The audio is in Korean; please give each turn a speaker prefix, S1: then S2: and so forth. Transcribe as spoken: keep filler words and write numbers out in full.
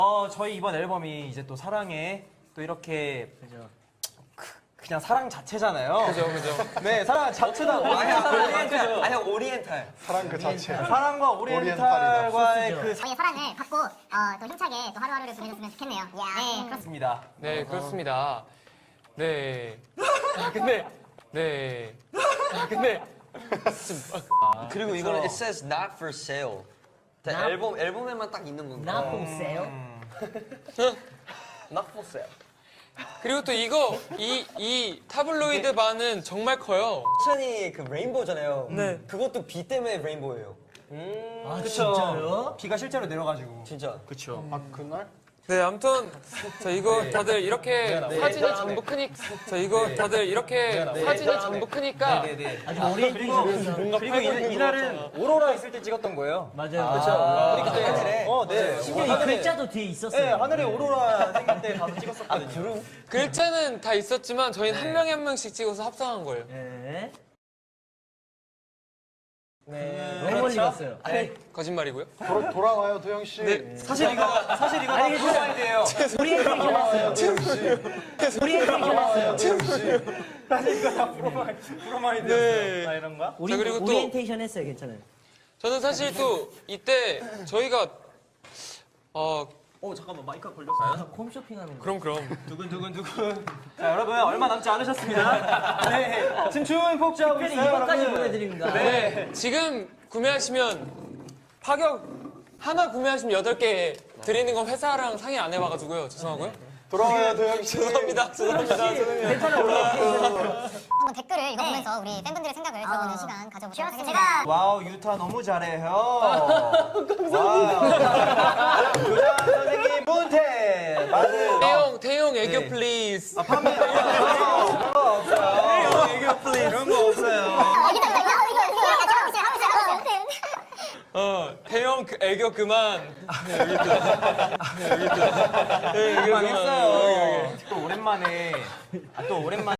S1: 어, 저희 이번 앨범이 이제 또 사랑에 또 이렇게 그죠. 그냥 사랑 자체잖아요.
S2: 그죠, 그죠.
S1: 네, 사랑 자체다. 오리엔탈.
S3: 아니, 오리엔탈.
S4: 사랑 그 자체.
S1: 사랑과 오리엔탈과의 그
S5: 저희의 사랑을 받고 어, 또 힘차게 또 하루하루를 보내줬으면 좋겠네요. 네,
S1: 사랑입니다.
S2: 네, 그렇습니다. 네. 아, 근데, 네. 아, 근데.
S3: 그리고 이거는 it says not for sale. 앨범, 앨범에만 딱 있는 건가?
S6: Not for sale.
S3: Not for sale.
S2: 그리고 또 이거, 이, 이 타블로이드 반은 정말 커요.
S3: 쿠션이 그 레인보우잖아요.
S2: 네.
S3: 그것도 비 때문에 레인보우예요.
S6: 아,
S1: 그쵸.
S6: 진짜요?
S1: 비가 실제로 내려가지고.
S3: 진짜.
S1: 그쵸.
S4: 아 그날?
S2: 네, 아무튼 저 이거 다들 이렇게 사진이 전부 크니까 저 이거 다들 이렇게 사진이 전부 크니까
S1: 네네.
S6: 아주 오리엔테이션에서.
S1: 그리고 이, 이날은 오로라 있을 때 찍었던 거예요.
S6: 맞아요, 그렇죠.
S1: 그때 하늘에. 어, 네.
S6: 심지어 이
S1: 하늘에,
S6: 글자도 뒤에 있었어요.
S1: 네, 하늘에 오로라 생길 때 가서 찍었었거든요.
S2: 글자는 다 있었지만 저희는 한 명에 한 명씩 찍어서 합성한 거예요.
S6: 네.
S1: 네.
S6: 너무 멀리 갔어요.
S2: 거짓말이고요.
S4: 돌아, 돌아와요 도영 씨.
S2: 네.
S1: 사실 이거, 사실 이거 다 프로마이드예요.
S6: 오리엔테이션 했어요. 오리엔테이션 했어요.
S1: 사실 이거 다 프로마이드, 프로마이드였어요.
S2: 네.
S1: 아, 이런 거?
S6: 오리,
S2: 자, 그리고 또-
S6: 오리엔테이션 했어요, 괜찮아요.
S2: 저는 사실 또 이때 저희가 어
S1: 어, 잠깐만, 마이크가 걸렸어요?
S6: 홈쇼핑하는 거.
S2: 그럼 그럼
S1: 두근두근두근. 자, 여러분, 얼마 남지 않으셨습니다. 네. 지금 주문 폭주하고
S6: 특별히
S1: 있어요.
S6: 이것까지
S1: 여러분.
S6: 보내드립니다.
S2: 네 지금 구매하시면 파격 하나 구매하시면 여덟 개 드리는 건 회사랑 상의 안 해봐가지고요. 죄송하고요.
S4: 돌아와요 도영 씨.
S2: 죄송합니다. 죄송합니다. 죄송해요.
S6: 괜찮아요, 오리엔테이션.
S5: 한번 댓글을 이거 보면서 우리 팬분들의 생각을 들어보는 시간 가져보도록 하겠습니다. 제가
S1: 와우, 유타 너무 잘해요. 와우. 교장 선생님, 문태. 맞아요.
S2: 태용 태용 애교
S1: 네.
S2: 플리즈.
S1: 아, 판매. 그런 거 없어요. 태용 애교 플레이. 그런 거 없어요.
S5: 이거 이거 이거 이거 이거 하고 있어요 하고 있어요 하고 있어요.
S2: 어 태용 그 애교 그만. 네, 여기 있다. 네, 여기 있다. 네, 애교 그만.
S1: 망했어요. 또 오랜만에. 아, 또 오랜만에.